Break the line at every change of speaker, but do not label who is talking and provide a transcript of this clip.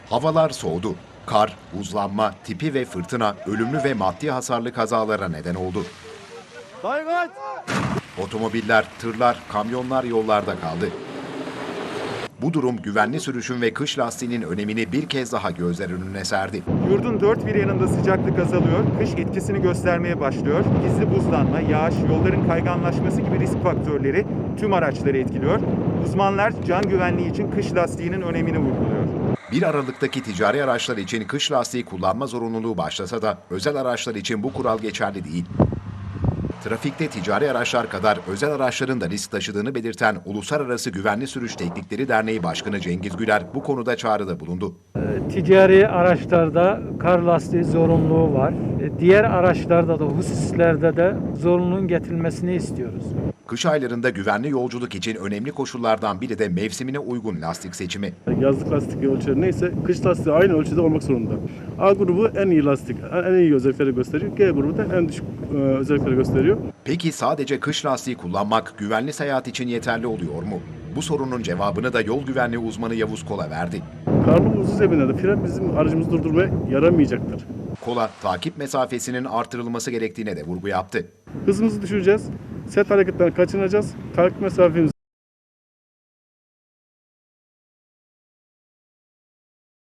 Havalar soğudu. Kar, buzlanma, tipi ve fırtına ölümlü ve maddi hasarlı kazalara neden oldu. Otomobiller, tırlar, kamyonlar yollarda kaldı. Bu durum güvenli sürüşün ve kış lastiğinin önemini bir kez daha gözler önüne serdi.
Yurdun dört bir yanında sıcaklık azalıyor, kış etkisini göstermeye başlıyor. Gizli buzlanma, yağış, yolların kayganlaşması gibi risk faktörleri tüm araçları etkiliyor. Uzmanlar can güvenliği için kış lastiğinin önemini vurguluyor.
1 Aralık'taki ticari araçlar için kış lastiği kullanma zorunluluğu başlasa da özel araçlar için bu kural geçerli değil. Trafikte ticari araçlar kadar özel araçların da risk taşıdığını belirten Uluslararası Güvenli Sürüş Teknikleri Derneği Başkanı Cengiz Güler bu konuda çağrıda bulundu.
Ticari araçlarda kar lastiği zorunluluğu var. Diğer araçlarda da hususlerde de zorunluluğun getirilmesini istiyoruz.
Kış aylarında güvenli yolculuk için önemli koşullardan biri de mevsimine uygun lastik seçimi.
Yazlık lastik ölçüleri neyse kış lastiği aynı ölçüde olmak zorunda. A grubu en iyi lastik, en iyi özellikleri gösteriyor. G grubu da en düşük özellikleri gösteriyor.
Peki sadece kış lastiği kullanmak güvenli seyahat için yeterli oluyor mu? Bu sorunun cevabını da yol güvenliği uzmanı Yavuz Kola verdi.
Karlı buzlu zeminlerde fren bizim aracımızı durdurmaya yaramayacaktır.
Kola, takip mesafesinin artırılması gerektiğine de vurgu yaptı.
Hızımızı düşüreceğiz, set hareketten kaçınacağız, takip mesafemizi